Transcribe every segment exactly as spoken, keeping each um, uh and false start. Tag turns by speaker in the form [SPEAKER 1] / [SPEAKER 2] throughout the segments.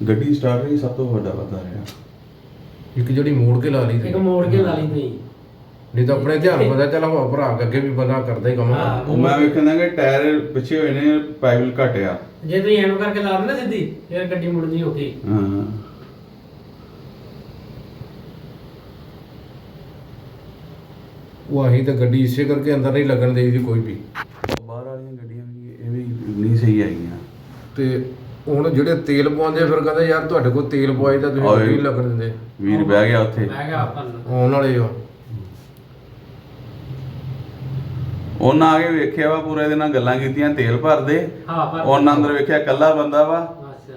[SPEAKER 1] ਗੱਡੀ ਸਟਾਰਟ ਹੀ ਸਭ ਤੋਂ ਵੱਡਾ ਪਤਾ ਰਿਹਾ।
[SPEAKER 2] ਇੱਕ ਜਿਹੜੀ ਮੋੜ ਕੇ ਲਾ ਲਈ
[SPEAKER 3] ਇੱਕ ਮੋੜ ਕੇ ਲਾ ਲਈ ਤੁਸੀਂ।
[SPEAKER 2] ਨਹੀਂ ਤਾਂ ਆਪਣੇ ਧਿਆਨ ਪਤਾ ਚੱਲ ਹਵਾ ਭਰਾ ਕੇ ਅੱਗੇ ਵੀ ਬੰਦਾ ਕਰਦਾ ਹੀ ਕੰਮ।
[SPEAKER 3] ਹਾਂ।
[SPEAKER 1] ਉਹ ਮੈਂ ਵੇਖਦਾ ਕਿ ਟਾਇਰ ਪਿੱਛੇ ਹੋਏ ਨੇ, ਪਾਈਪ ਘਟਿਆ।
[SPEAKER 3] ਜੇ ਤੁਸੀਂ ਐਨੂੰ ਕਰਕੇ ਲਾ ਦਿੰਦੇ ਸਿੱਧੀ ਫਿਰ ਗੱਡੀ ਮੁੜਨੀ ਔਖੀ।
[SPEAKER 1] ਹਾਂ
[SPEAKER 2] ਉਹ ਅਸੀਂ ਤਾਂ ਗੱਡੀ ਇਸੇ ਕਰਕੇ ਅੰਦਰ ਨਹੀਂ ਲੱਗਣ ਦੇਈਦੀ ਕੋਈ ਵੀ।
[SPEAKER 1] ਬਾਹਰ ਵਾਲੀਆਂ ਗੱਡੀਆਂ ਵੀ ਇਹ ਵੀ ਨਹੀਂ ਸਹੀ ਆਈਆਂ।
[SPEAKER 2] ਤੇ ਹੁਣ ਜਿਹੜੇ ਤੇਲ ਪਵਾਉਂਦੇ ਫਿਰ ਕਹਿੰਦੇ ਯਾਰ ਤੁਹਾਡੇ ਕੋਲ ਤੇਲ ਪਵਾਈ ਤਾਂ ਤੁਸੀਂ ਗੱਡੀ ਨਹੀਂ ਲੱਗਣ ਦਿੰਦੇ।
[SPEAKER 1] ਵੀਰ ਬਹਿ ਗਿਆ ਉੱਥੇ,
[SPEAKER 3] ਮੈਂ ਕਿਹਾ ਆਪਾਂ ਨੂੰ
[SPEAKER 2] ਆਉਣ ਵਾਲੇ ਆ
[SPEAKER 1] ਉਹਨਾਂ ਆ ਕੇ ਵੇਖਿਆ ਵਾ, ਪੂਰਾ ਇਹਦੇ ਨਾਲ ਗੱਲਾਂ ਕੀਤੀਆਂ, ਤੇਲ ਭਰਦੇ।
[SPEAKER 3] ਹਾਂ ਪਰ
[SPEAKER 1] ਉਹਨਾਂ ਅੰਦਰ ਵੇਖਿਆ ਇਕੱਲਾ ਬੰਦਾ ਵਾ।
[SPEAKER 3] ਅੱਛਾ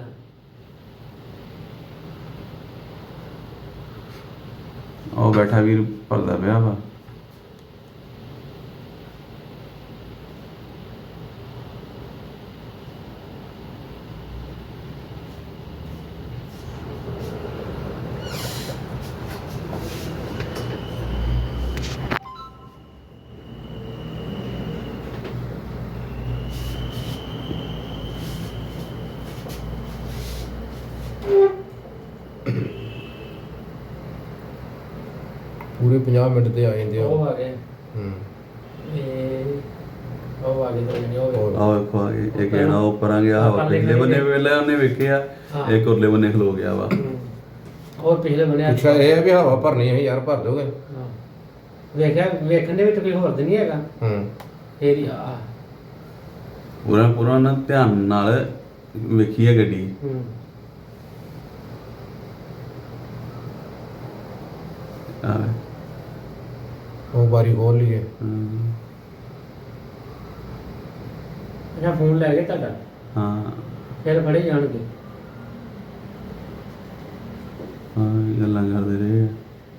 [SPEAKER 1] ਉਹ ਬੈਠਾ ਵੀਰ ਭਰਦਾ ਪਿਆ ਵਾ।
[SPEAKER 2] ਪੂਰੇ ਪੰਜਾਹ ਮਿੰਟ ਤੇ ਆ ਜਾਂਦੇ ਆ।
[SPEAKER 3] ਉਹ ਆ ਗਏ
[SPEAKER 2] ਹੂੰ
[SPEAKER 3] ਇਹ ਉਹ ਆ ਗਏ ਤਾਂ ਨਹੀਂ ਉਹ
[SPEAKER 1] ਆਹ ਵੇਖੋ ਆ ਗਏ, ਇੱਕ ਜਣਾ ਉੱਪਰ ਆ ਗਿਆ, ਹਵਾ ਪਿਛਲੇ ਬੰਨੇ ਵੇਲੇ ਉਹਨੇ ਵੇਖਿਆ, ਇੱਕ ਉਰਲੇ ਬੰਨੇ ਖਲੋ ਗਿਆ ਵਾ।
[SPEAKER 3] ਹੋਰ ਪਿਛਲੇ ਬਣਿਆ।
[SPEAKER 2] ਅੱਛਾ ਇਹ ਹੈ ਵੀ ਹਵਾ ਭਰਨੀ ਹੈ ਯਾਰ ਭਰ ਦੋਗੇ।
[SPEAKER 3] ਵੇਖਿਆ ਵੇਖਣ ਦੇ ਵਿੱਚ ਕੋਈ ਹੋਰ ਤੇ ਨਹੀਂ ਹੈਗਾ।
[SPEAKER 2] ਹੂੰ
[SPEAKER 3] ਫੇਰ ਹੀ ਆ
[SPEAKER 1] ਪੂਰਾ ਪੂਰਾ ਨਾ ਧਿਆਨ ਨਾਲ ਵੇਖੀ ਹੈ ਗੱਡੀ।
[SPEAKER 3] ਹੂੰ
[SPEAKER 1] ਆਹ
[SPEAKER 2] ਉਹ ਬਾਰੀ ਖੋਲ ਲਈਏ।
[SPEAKER 1] ਹਮ,
[SPEAKER 3] ਅੱਛਾ ਫੋਨ ਲੈ ਗਏ ਤੁਹਾਡਾ
[SPEAKER 1] ਹਾਂ
[SPEAKER 3] ਫਿਰ ਫੜੇ ਜਾਣਗੇ।
[SPEAKER 1] ਹਾਂ ਇਹ ਗੱਲਾਂ ਕਰਦੇ ਰਹੇ।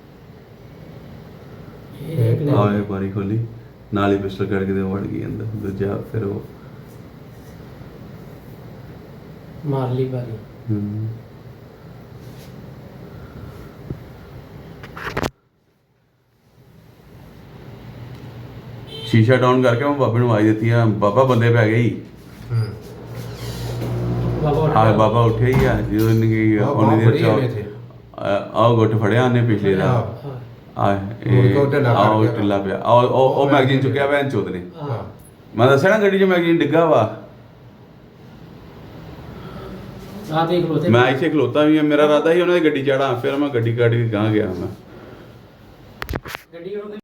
[SPEAKER 3] ਇਹ
[SPEAKER 1] ਆਏ ਬਾਰੀ ਖੋਲੀ, ਨਾਲ ਹੀ ਪਿਸਟਲ ਕੱਢ ਕੇ ਤੇ ਵੜ ਗਈ ਅੰਦਰ। ਦੂਜਾ ਫਿਰ ਉਹ
[SPEAKER 3] ਮਾਰ ਲਈ ਬਾਰੀ।
[SPEAKER 1] ਹਮ, ਸ਼ੀਸ਼ਾ ਡਾਊਨ ਕਰਕੇ ਮੈਂ ਬਾਬੇ ਨੂੰ ਆਵਾਜ਼ ਦਿੱਤੀ ਆ, ਬਾਬਾ ਬੰਦੇ ਪੈ ਗਏ ਹੀ।
[SPEAKER 2] ਹੂੰ
[SPEAKER 3] ਬਾਬਾ ਉੱਠ
[SPEAKER 1] ਹਾਂ
[SPEAKER 3] ਗਿਆ।
[SPEAKER 1] ਬਾਬਾ ਉੱਠਿਆ ਹੀ ਆ ਜਦੋਂ ਇਹਨੇ ਉਹਨੇ ਦੇ ਚ ਆਹ ਗੁੱਟ ਫੜਿਆ ਉਹਨੇ ਪਿਛਲੇ ਦਾ।
[SPEAKER 3] ਹਾਂ
[SPEAKER 1] ਆ
[SPEAKER 2] ਮੁੜ ਕੇ ਉਹ ਢਿੱਲਾ ਕਰ
[SPEAKER 1] ਆਹ
[SPEAKER 2] ਗਿਆ।
[SPEAKER 1] ਢਿੱਲਾ ਪਿਆ। ਆਹ ਉਹ ਉਹ ਮੈਗਜ਼ੀਨ ਚੁੱਕਿਆ ਭੈਣ ਚੋਦ ਨੇ।
[SPEAKER 3] ਹਾਂ
[SPEAKER 1] ਮੈਂ ਦੱਸਿਆ ਨਾ ਗੱਡੀ 'ਚ ਮੈਗਜ਼ੀਨ ਡਿੱਗਾ ਵਾ।
[SPEAKER 3] ਆ ਦੇਖ ਲੋ ਤੇ
[SPEAKER 1] ਮੈਂ ਇੱਥੇ ਖਲੋਤਾ ਵੀ ਆ, ਮੇਰਾ ਇਰਾਦਾ ਸੀ ਉਹਨਾਂ ਦੀ ਗੱਡੀ ਚੜਾਂ, ਫਿਰ ਮੈਂ ਗੱਡੀ ਕੱਢ ਕੇ ਗਾਂ ਗਿਆ ਮੈਂ।
[SPEAKER 3] ਗੱਡੀ ਉਹ